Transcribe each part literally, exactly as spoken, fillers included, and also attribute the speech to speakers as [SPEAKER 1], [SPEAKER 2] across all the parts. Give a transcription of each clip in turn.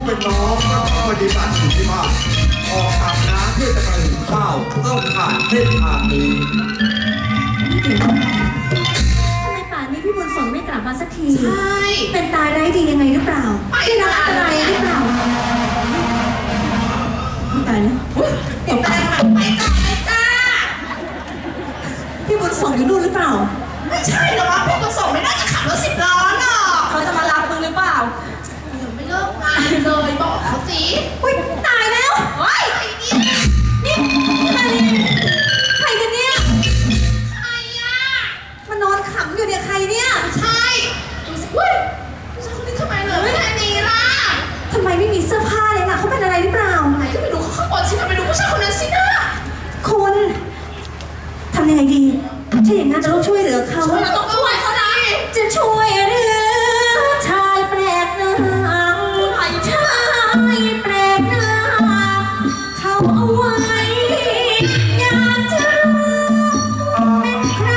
[SPEAKER 1] เป็นน้องก็ต้องปฏิบัติอยู่ที่บ้านออกอาบน้ำเพื่อจะไปหุงข้าวต้องผ่านเส้นทางนี้
[SPEAKER 2] ทำไมป่านนี้พี่บุญส่งไม่กลับมาสักที
[SPEAKER 3] ใช่
[SPEAKER 2] เป็นตายไร้ดียังไงหรือเปล่าไม่รักอะไรหรือเปล่าตายแล้ว
[SPEAKER 3] ติดตามไปจ้าไปจ้า
[SPEAKER 2] พี่บุญส่งอยู่นู่นหรือเปล่า
[SPEAKER 3] ไม่ใช่หรอกพี่บุญส่งไม่น่าจะขับรถสิบล้อหรอก
[SPEAKER 2] เขาจะมารับมึงหรือเปล่า
[SPEAKER 3] ยังไม่เลิกงานเลยบอกเขาสิ
[SPEAKER 2] อุ้ยตายแล้ว
[SPEAKER 3] เฮ้ยไอ้นี่
[SPEAKER 2] นี่ใครใครกันเนี่ย
[SPEAKER 3] ใครอ่ะ
[SPEAKER 2] มานอนขำอยู่เนี่ยใครเนี่ย
[SPEAKER 3] ใช่ดูสิเฮ้ยผู้ชายคนนี้ทำไมเหลือไม่แค่นี้ล่ะ
[SPEAKER 2] ทำไมไม่มีเสื้อผ้าเลยล่ะเขาเป็นอะไรหรือเปล่า
[SPEAKER 3] ไหนก็ไปดูเขาข้างบนสิไปดูผู้ชายคนนั้นสินะ
[SPEAKER 2] คุณทำยังไงดีถ้าอย่างนั้นจะต้องช่วยเหลือเขา
[SPEAKER 3] เราต้องช่วยเขาได้
[SPEAKER 2] จะช่วยเหลือชายแปลกหน้าชายแปลกหน้าเขาเอาไว้อยากจะรู้เป็นใคร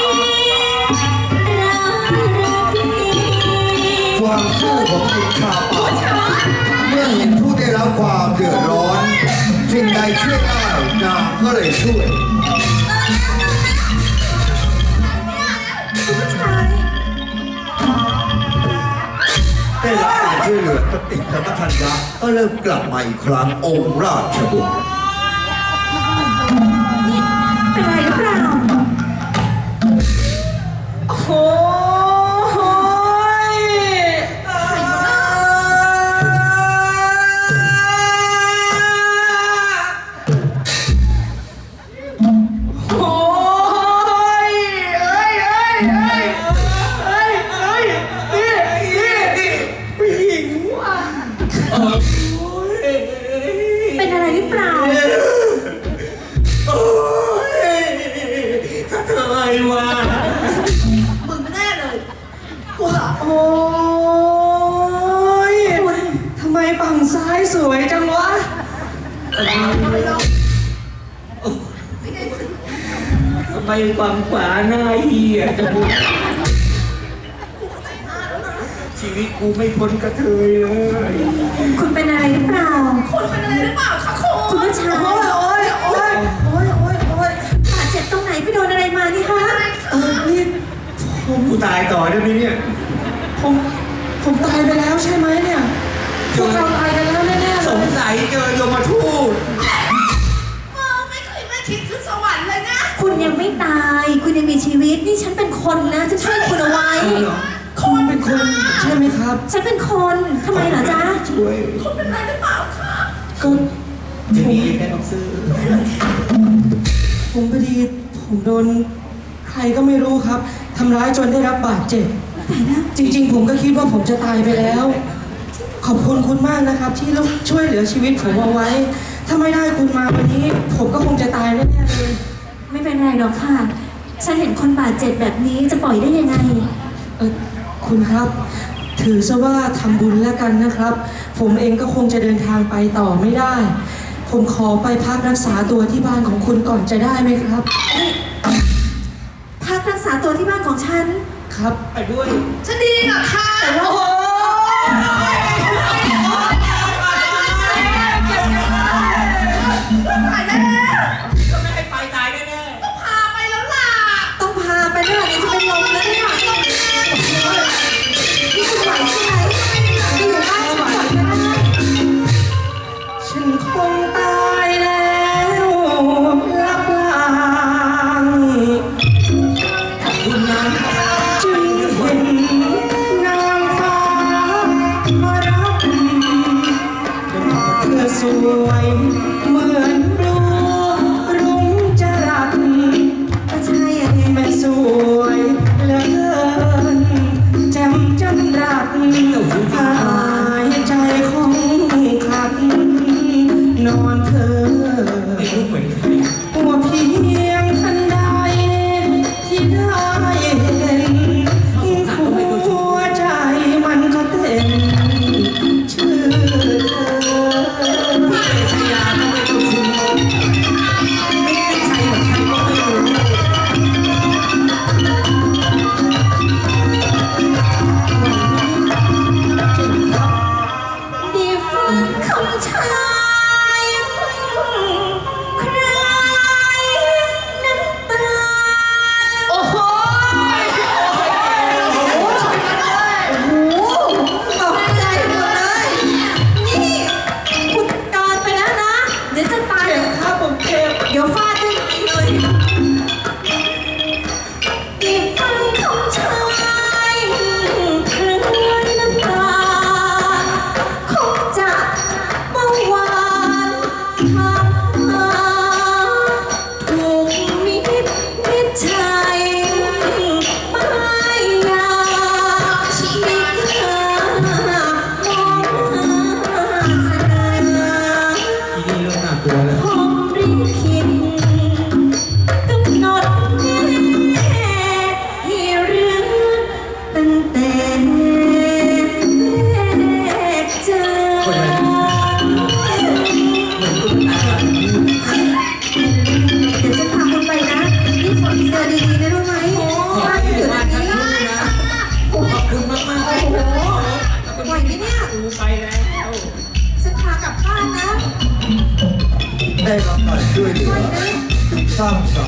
[SPEAKER 2] รักหรือพี่
[SPEAKER 1] ความสู้ของหญิงชาวป่าเมื่อเห็นผู้ได้รับความเดือดร้อนสิ่งใดช่วยได้นางก็เลยช่วย
[SPEAKER 2] ผู้ชาย
[SPEAKER 1] ได้รับการช่วยเหลือสติสัมปชัญญะก็เริ่มกลับมาอีกครั้งองค์ราชบุตร
[SPEAKER 2] เป็นไรหรือเปล่าโอ้โหเป็นอะไรหรือเปล่า
[SPEAKER 1] โอ้ยทำไมวะ
[SPEAKER 3] มึงไม่แน่เลยกูเหรอ
[SPEAKER 4] โอ้ยทำไมฝั่งซ้ายสวยจังวะทำไมฝั่งขวาหน้าเหี้ยจังวะชีวิตกูไม่พ้นกระเทยเลย
[SPEAKER 2] คุณเป็นอะไรหรือเปล่า
[SPEAKER 3] คุณเป็นอะไรหรือเปล่าคะคุณ
[SPEAKER 2] คุณผู้ชาย
[SPEAKER 4] โอ้ยโอ้ยโอ้ยโอ้ยโอ้ย
[SPEAKER 2] บาดเจ็บตรงไหนไปโดนอะไรมานี่คะ
[SPEAKER 4] เออนี่ผม
[SPEAKER 1] กูตายต่อได้ไหมเนี่ย
[SPEAKER 4] ผมผมตายไปแล้วใช่ไหมเนี่ยพวกเราตายกันแล้วแน่ๆ
[SPEAKER 1] สงสัยเจอยมทูต
[SPEAKER 3] มึงไม่เคยไม่คิดขึ้นสวรรค์เลยนะ
[SPEAKER 2] คุณยังไม่ตายคุณยังมีชีวิตนี่ฉันเป็นคนนะจะช่วยคุณเอาไว้
[SPEAKER 4] คุณเป็นคนใช่ไหมครับ
[SPEAKER 2] ฉันเป็นคนทำไมเหรอจ๊ะ
[SPEAKER 1] ช่วย
[SPEAKER 3] คุณเป็นอะไรหรือเปล่าคะ
[SPEAKER 4] ก็
[SPEAKER 1] จะมีได้ต้องซื้อ
[SPEAKER 4] ผมพอดีผมโดนใครก็ไม่รู้ครับทำร้ายจนได้รับบาดเจ็บจริงๆผมก็คิดว่าผมจะตายไปแล้วขอบคุณคุณมากนะครับที่ช่วยเหลือชีวิตผมเอาไว้ถ้าไม่ได้คุณมาวันนี้ผมก็คงจะตายแน่ๆเลย
[SPEAKER 2] ไม่เป็นไรหรอกค่ะฉันเห็นคนบาดเจ็บแบบนี้จะปล่อยได้ยังไง
[SPEAKER 4] เออคุณครับถือซะว่าทำบุญแล้วกันนะครับผมเองก็คงจะเดินทางไปต่อไม่ได้ผมขอไปพักรักษาตัวที่บ้านของคุณก่อนจะได้ไหมครับ
[SPEAKER 2] พักรักษาตัวที่บ้านของฉัน
[SPEAKER 4] ครับไปด้วย
[SPEAKER 3] จะดีเหรอคะ
[SPEAKER 4] แต่ว่าโอ้
[SPEAKER 3] ตายแน่
[SPEAKER 1] ก็ไม่ให้ไปตายแน่
[SPEAKER 3] ๆต้องพาไปแล้วล่ะ
[SPEAKER 2] ต้องพาไปแล้วเดี๋ยวจะเป็นลมแล้วเนี่ยนี่คุณไหวใช่ไหมไปอยู่บ้านฉันก่อนก็ได้
[SPEAKER 4] ฉันคงตายแล้วลับลาง
[SPEAKER 1] คุณนั้น
[SPEAKER 4] จึงเห็นนางฟ้ามารับเธอสวยเหมือนดวงรุ่งจรัส
[SPEAKER 2] ก็ใช่อะ
[SPEAKER 4] แม่สวยเหลือเกินแจ่มจันรัตหายใจของขัดนอนเธอว่าเพียงทันใดที่ได้เห็นหัวใจมันก็เต้นชื่อเธอ
[SPEAKER 2] ชายใครน้ำตา
[SPEAKER 3] โอ้โห
[SPEAKER 2] โอ้โหตกใจหมดเลย นี่คุณกอนไปแล้วนะ เดี๋ยวจะตาย
[SPEAKER 4] เจ็บครับผมเจ็บ
[SPEAKER 2] เดี๋ยวฟาดด้วยเลยอีกฟังคำชายคลื่นน้ำตาคงจะเมื่อวานทำมาถูกมิตรมิตรชัยป้ายยาชีวิตเธอมองหาเสนอ
[SPEAKER 4] ทีนี้เริ่มน่ากลัวแล้ว
[SPEAKER 2] ผมริขิตกำหนดแน่ให้เรื่องตั้งแต่แรกเจอเดี๋ยวจะพาคุณไปนะนี่ขอเจอดีๆนะรู้ไหมบ้านอยู่ตรงนี้
[SPEAKER 4] ขอบคุณมากมากๆเลย
[SPEAKER 2] โอ้โหไหวไหมเนี่ย
[SPEAKER 4] ดูไปแล้ว
[SPEAKER 2] ฉันพากลับบ้านนะ
[SPEAKER 1] ได้รับการช่วยเหลือสร้างสรรค์